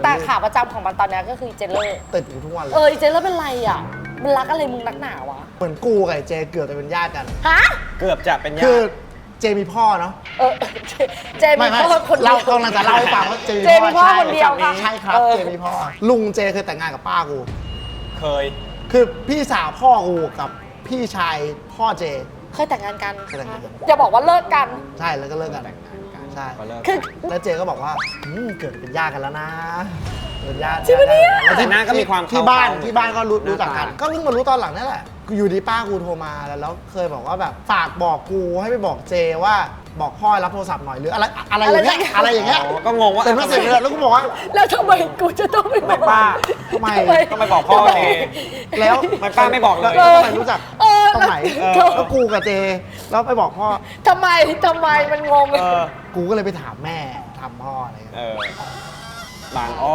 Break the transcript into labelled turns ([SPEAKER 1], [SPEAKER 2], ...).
[SPEAKER 1] แต่ขาประจำของมันตอนนี้ก็คือเจเลอร์
[SPEAKER 2] ติดอยู่ทุกวันเลย
[SPEAKER 1] เจเลอร์เป็นไรอ่ะมันรักอะไรมึงนักหนาวะ
[SPEAKER 2] เหมือนกูกับเจเกือบจะเป็นญาติกัน
[SPEAKER 1] ฮะ
[SPEAKER 3] เกือบจะเป็นญา
[SPEAKER 2] คือ
[SPEAKER 3] ติ
[SPEAKER 2] เจมีพ่อเนาะ
[SPEAKER 1] เจมีพ่อคนเดียว
[SPEAKER 2] เรากำลังจะเล่าให้ฟังว่าเจมี
[SPEAKER 1] พ่อคนเดียวค่ะ
[SPEAKER 2] ใช่ครับเจมีพ่อลุงเจเคยแต่งงานกับป้ากู
[SPEAKER 3] เคย
[SPEAKER 2] คือพี่สาวพ่อกูกับพี่ชายพ่อเจ
[SPEAKER 1] เคยแต่งงานกัน
[SPEAKER 2] เคยแต่งงานกัน
[SPEAKER 1] อย่าบอกว่าเลิกกัน
[SPEAKER 2] ใช่แล้วก็เลิกกันใช่
[SPEAKER 3] ก็เลิก
[SPEAKER 1] คือ
[SPEAKER 2] แล้วเจก็บอกว่าเกิดเป็นญาติกันแล้วนะเป็นญาติ
[SPEAKER 1] จริงปะเนี่ย
[SPEAKER 3] แต่หน้าก็มีความ
[SPEAKER 2] ที่บ้าน
[SPEAKER 3] เข้า
[SPEAKER 2] ที่บ้านก็รู้จักกันก็เพิ่งมารู้ตอนหลังนี่แหละอยู่ดีป้ากูโทรมาแล้วเคยบอกว่าแบบฝากบอกกูให้ไปบอกเจว่าบอกพ่อรับโทรศัพท์หน่อยหรืออะไรอย่างเงี้ยอะไรอย่างเงี้ย
[SPEAKER 3] ก็งงว่า
[SPEAKER 2] แต่ไม่เสร็จเลยแล้วกูบอกว่า
[SPEAKER 1] แล้วทำไมกูจะต้องไปบอก
[SPEAKER 3] ป้า
[SPEAKER 2] ทำไม
[SPEAKER 3] ต้องไปบอกพ่อเอง
[SPEAKER 2] แล้ว
[SPEAKER 3] มันป้าไม่บอกเลย
[SPEAKER 2] แล้วทำไมรู้จักตรงไหน
[SPEAKER 1] แล้ว
[SPEAKER 2] แล้วกูกับเจแล้วไปบอกพ่อ
[SPEAKER 1] ทำไมมันงง
[SPEAKER 3] เออ
[SPEAKER 2] กูก็เลยไปถามแม่ถามพ่ออะไรอย่างเงี้ย
[SPEAKER 3] บางอ้อ